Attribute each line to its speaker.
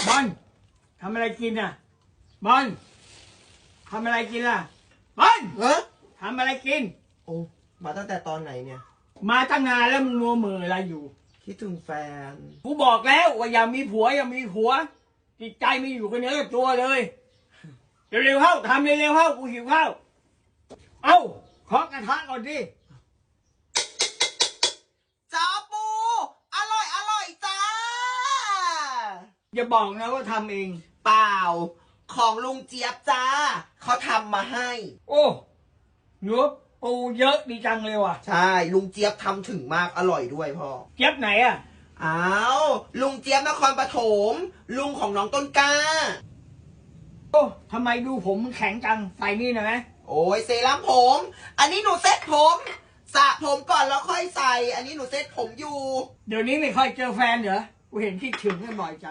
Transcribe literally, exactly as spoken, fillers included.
Speaker 1: บอลทำอะไรกินอ่ะบอลทำอะไรกินล่ะบอล
Speaker 2: เฮ้ย
Speaker 1: ทำอะไรกิน
Speaker 2: โอ้มาตั้งแต่ตอนไหนเนี่ย
Speaker 1: มาตั้งนานแล้วมึงมัวมืออะไรอยู่
Speaker 2: คิดถึงแฟน
Speaker 1: กูบอกแล้วว่าอย่ามีผัวอย่ามีผัวจิตใจไม่อยู่กับเนื้อกับตัวเลยเร็วๆเข้าทำเร็วๆเข้ากูหิวข้าวเอ้าเคาะกระทะก่อนดิ
Speaker 2: จ้าปู อร่อยอร่อยจ้า
Speaker 1: อย่าบอกนะว่าทำเอง
Speaker 2: เปล่า ของลุงเจี๊ยบจ้า เขาทำมาให้
Speaker 1: โอ้เนื้อปูเยอะดีจังเลยว่ะ
Speaker 2: ใช่ ลุงเจี๊ยบทำถึงมากอร่อยด้วยพ่อ
Speaker 1: เจี๊ยบไหนอ่ะ
Speaker 2: อ้าวลุงเจี๊ยบนครปฐมลุงของน้องต้นกล้า
Speaker 1: โอ้ทำไมดูผมมันแข็งจังใส่นี่หน่อยไหม
Speaker 2: โอ้ยเซรั่มผม อันนี้หนูเซ็ตผมสระผมก่อนแล้วค่อยใส่ อันนี้หนูเซ็ตผมอยู่
Speaker 1: เดี๋ยวนี้ไม่ค่อยเจอแฟนเหรอกูเห็นคิดถึงกันบ่อยจัง